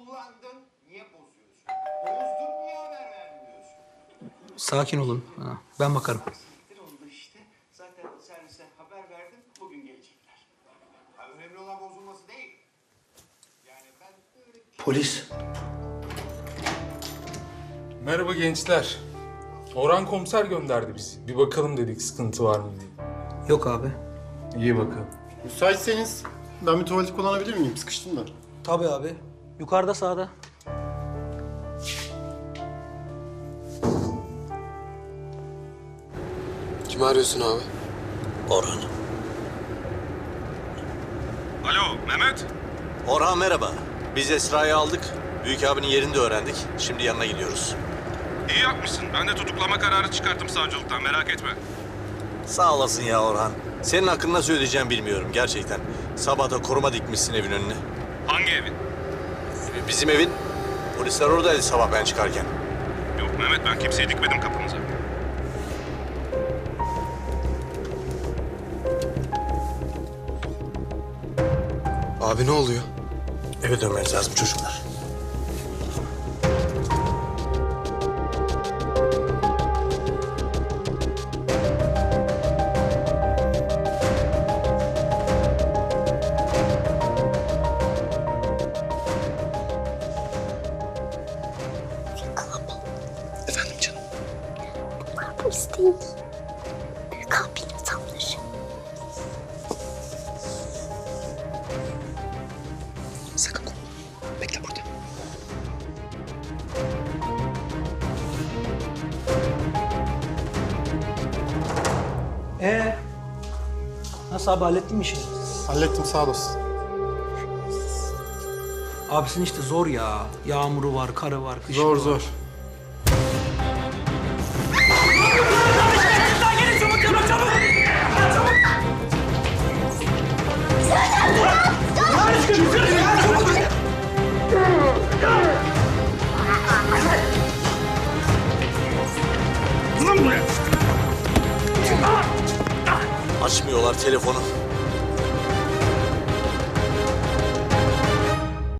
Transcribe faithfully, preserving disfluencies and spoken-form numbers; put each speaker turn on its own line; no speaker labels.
kullandın, niye bozuyorsun? Bozdun, niye haber vermiyorsun?
Sakin olun. Ha, ben bakarım.
Siktir oldu işte. Zaten servise haber verdim, bugün gelecekler. Ha, önemli olan bozulması değil. Yani ben böyle...
Polis.
Merhaba gençler. Orhan komiser gönderdi bizi. Bir bakalım dedik sıkıntı var mı diye.
Yok abi.
İyi bakalım.
Müsaitseniz ben bir tuvalet kullanabilir miyim? Sıkıştım da.
Tabii abi. Yukarıda sağda.
Kimi arıyorsun abi?
Orhan.
Alo Mehmet.
Orhan merhaba. Biz Esra'yı aldık. Büyük abinin yerini de öğrendik. Şimdi yanına gidiyoruz.
İyi yapmışsın. Ben de tutuklama kararı çıkarttım savcılıktan, merak etme.
Sağ olasın ya Orhan. Senin hakkında nasıl ödeyeceğim bilmiyorum gerçekten. Sabah da koruma dikmişsin evin önüne.
Hangi evin?
Bizim evin. Polisler oradaydı sabah ben çıkarken.
Yok Mehmet, ben kimseyi dikmedim kapınıza.
Abi ne oluyor?
Eve dönmeniz lazım çocuklar.
Efendim canım.
Bunlar polis değil. Büyük abinin adamları.
Sakın korkma. Bekle burada.
Ee, nasıl abi, hallettin mi işini?
Hallettim, sağ olasın.
Abisin işte zor ya. Yağmuru var, karı var, kışı
Zor
var.
zor.
Açmıyorlar telefonu.